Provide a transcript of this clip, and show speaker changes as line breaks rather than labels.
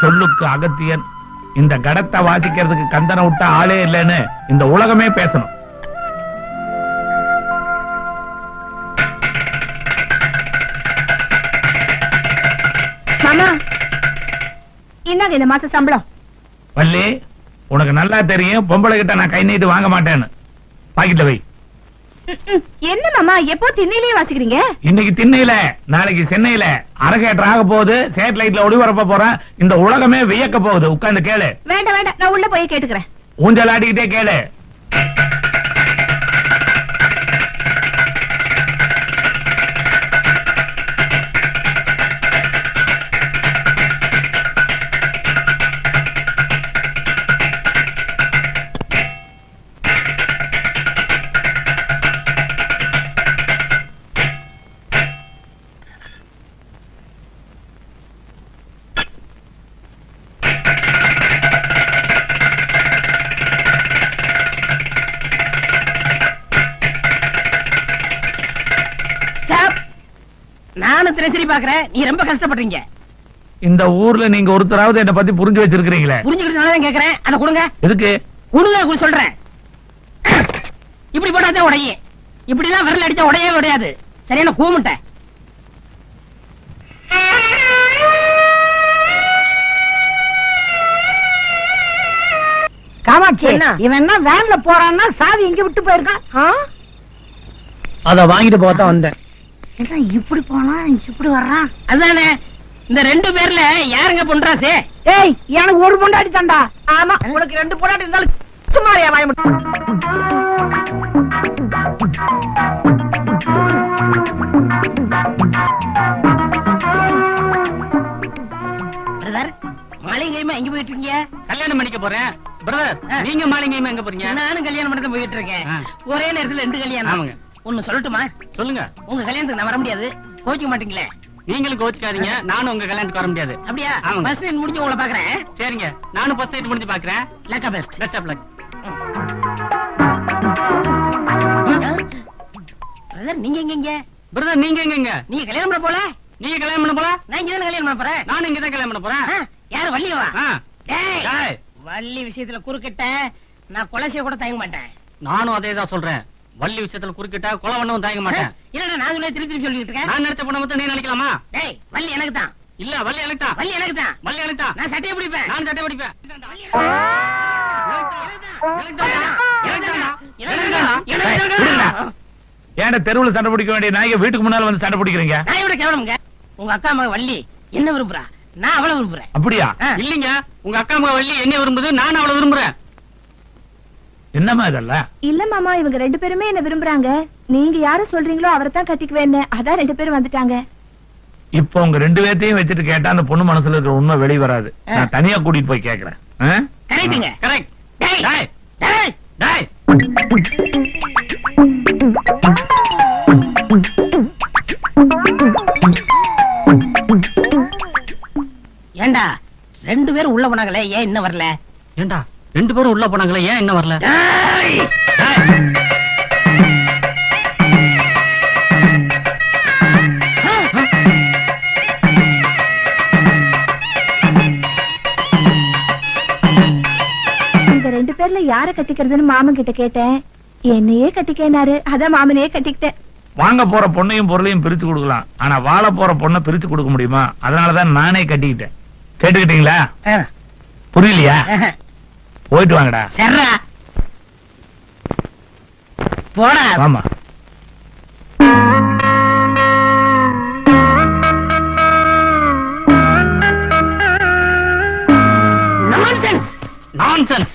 சொல்லுக்கு அகத்தியன், இந்த கடத்தை வாசிக்கிறதுக்கு கந்தனை விட்ட ஆளே இல்லைன்னு இந்த உலகமே பேசணும்.
மாமா, இந்தாங்க இந்த மாச சம்பளம்.
வள்ளி, உனக்கு நல்லா தெரியும் பொம்பளை கிட்ட நான் கை நீட்டு வாங்க மாட்டேன்னு. பாக்கிட்ட வை.
என்ன மாமா எப்போ திண்ணையிலேயே வாசிக்கிறீங்க?
இன்னைக்கு திண்ணையில, நாளைக்கு சென்னையில அரகேட்டர் ஆக போகுது, சேட்டலைட்ல ஒளிபரப்ப போறேன். இந்த உலகமே வியக்க போகுது. உட்கார்ந்து கேளு.
வேண்டாம் வேண்டாம், நான் உள்ள போய் கேட்டுக்கிறேன்.
ஊஞ்சல் ஆடிக்கிட்டே கேளு.
நானும் தினசரி பாக்குறேன், நீ ரொம்ப கஷ்டப்படுறீங்க.
இந்த ஊர்ல நீங்க ஒருத்தராவது என்ன பத்தி புரிஞ்சு வச்சிருக்கீங்களே?
புரிஞ்சுக்கிட்டு கேக்குறேன். அதை கொடுங்க.
எதுக்கு?
கொடுங்க சொல்றேன். இப்படி போட்டாதான் உடையும். இப்படி எல்லாம் விரல் அடிச்சா உடையவே உடையாது. சரியான கூமுட்டை.
காமாட்சி, இவன் என்ன வேன்ல போறான்னா சாவி எங்க விட்டு போயிருக்கான்?
அத வாங்கிட்டு போதான் வந்தேன்.
இப்படி போனா இப்படி வர்றான்.
அதானே, இந்த 2 பேர்ல யாருங்க பொன்ராசே?
ஏய், எனக்கு ஒரு பொண்டாடி தாண்டா. ஆமா, உனக்கு 2 பொண்டாடி இருந்தாலும் சும்மாரியா வாய மட்டும்.
மாளிகையுமா எங்க போயிட்டு இருக்கீங்க?
கல்யாணம் பண்ணிக்க போறேன் பிரதர். நீங்க மாளிகையுமா எங்க போறீங்க?
நானும் கல்யாணம் பண்ணி தான் போயிட்டு இருக்கேன். ஒரே நேரத்துல 2 கல்யாணம்.
ஆமாங்க.
ஒன்னு சொல்லட்டுமா?
சொல்லுங்க.
உங்க கல்யாணத்துக்கு நான் வர முடியாது, கோச்சிக்க மாட்டீங்களே?
நீங்களும் கோச்சுக்காதீங்க, நானும் உங்க கல்யாணத்துக்கு வர முடியாது.
அப்படியா?
ஆமாங்க.
ஃபர்ஸ்ட் நைட் முடிஞ்சு உங்களை பாக்குறேன்.
சரிங்க, நானும் ஃபர்ஸ்ட் நைட் முடிஞ்சு பாக்குறேன்.
லக்கா best.
Best of luck.
Brother, நீங்க எங்க?
பிரதர், நீங்க எங்க?
நீங்க கல்யாணம் பண்ண போல?
நீங்க கல்யாணம் பண்ண போல?
நான் இங்க தான் கல்யாணம் பண்ண போறேன்.
நானும் இங்க தான் கல்யாணம் பண்ண போறேன்.
யாரு, வள்ளியவா? டேய்,
டேய்,
வள்ளி விஷயத்துல குறுக்கிட்ட நான் கொலை செய்ய கூட தயங்க மாட்டேன்.
நானும் அதே தான் சொல்றேன். வள்ளி விஷயத்துல குறுக்கிட்டா கொலை பண்ணவும் தயங்க மாட்டேன்.
இல்லடா, நான் திருப்பி திருப்பி சொல்லிட்டு இருக்கேன்.
நான் நினைச்ச பொண்ணை மட்டும் நீ நினைக்கலாமா?
டேய், வள்ளி எனக்கு தான்.
இல்ல, வள்ளி எனக்கு தான்.
வள்ளி எனக்கு தான்.
வள்ளி எனக்கு தான்.
நான் சட்டையை பிடிப்பேன்.
நான் சட்டை பிடிப்பேன்.
ஏன்டா தெருவுல சண்டை பிடிக்க வேண்டிய நாய்க்கு வீட்டுக்கு முன்னால வந்து சண்டை பிடிக்கிறீங்க?
நான் விட கேவலமுங்க. உங்க அக்கா மக வள்ளி என்ன விரும்புறா, நான் அவளை விரும்புறேன்.
அப்படியா?
இல்லீங்க, உங்க அக்கா மக வள்ளி என்ன விரும்புது, நான் அவளை விரும்புறேன்.
என்னமா இதெல்லாம்?
இல்ல மாமா, இவங்க 2 பேருமே என்ன விரும்புறாங்க. நீங்க யார சொல்றீங்களோ அவரை தான் கட்டிக்குவேன்னு, அதான் 2 பேரும் வந்துட்டாங்க.
இப்போ உங்க 2 பேர்த்தையும் வச்சுட்டு கேட்டா அந்த பொண்ணு மனசுல இருக்கிற உண்மை வெளிய வராது. நான் தனியா கூட்டிட்டு போய் கேக்குறேன்.
கரெக்ட்டுங்க.
கரெக்ட்.
டேய்
டேய்,
டேய்
டேய்.
ஏண்டா 2 பேரும் உள்ள போனாங்களே, ஏன் இன்னும் வரல?
ஏண்டா 2 பேரும் உள்ள போனாங்களே, ஏன் என்ன வரல?
டேய்,
டேய்.
இந்த 2 பேர்ல யார கட்டிக்கிறதுன்னு மாமன் கிட்ட கேட்டேன். என்னையே கட்டிக்கேனாரு, அதான் மாமனையே கட்டிக்கிட்டேன்.
வாங்க போற பொண்ணையும் பொருளையும் பிரிச்சு கொடுக்கலாம், ஆனா வாழ போற பொண்ணை பிரிச்சு கொடுக்க முடியுமா? அதனாலதான் நானே கட்டிக்கிட்டேன். கேட்டுக்கிட்டீங்களா? புரியலையா? போயிட்டு வாங்கடா.
சர்ரா போடா.
ஆமா.
Nonsense
nonsense.